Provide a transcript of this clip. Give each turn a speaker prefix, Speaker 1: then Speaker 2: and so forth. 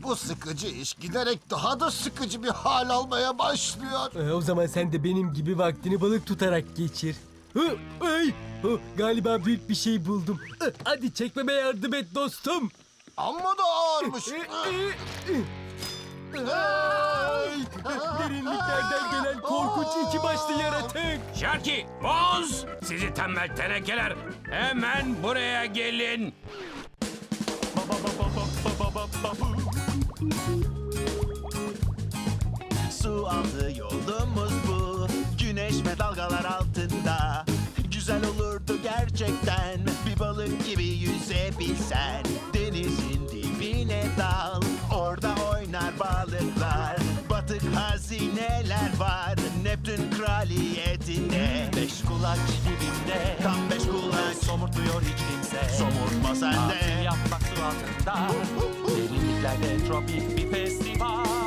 Speaker 1: Bu sıkıcı iş giderek daha da sıkıcı bir hal almaya başlıyor.
Speaker 2: O zaman sen de benim gibi vaktini balık tutarak geçir. Hı, ay, galiba büyük bir şey buldum. Hadi çekmeme yardım et dostum.
Speaker 1: Amma da ağırmış.
Speaker 2: Ay, derinliklerden gelen korkunç iki başlı yaratık.
Speaker 3: Sharky, Boz, sizi tembel tenekeler, hemen buraya gelin.
Speaker 4: Su altı yolumuz bu, güneş ve dalgalar altında. Güzel olurdu gerçekten, bir balık gibi yüzebilsen. Denizin dibine dal, orada oynar balıklar. Batık hazineler var, Neptün kraliyetinde. Beş kulak dibimde, tam beş kulak. Somurtmuyor hiç kimse, somurtma sen de. Tatil yapmak su altında, derinliklerde tropik bir festival.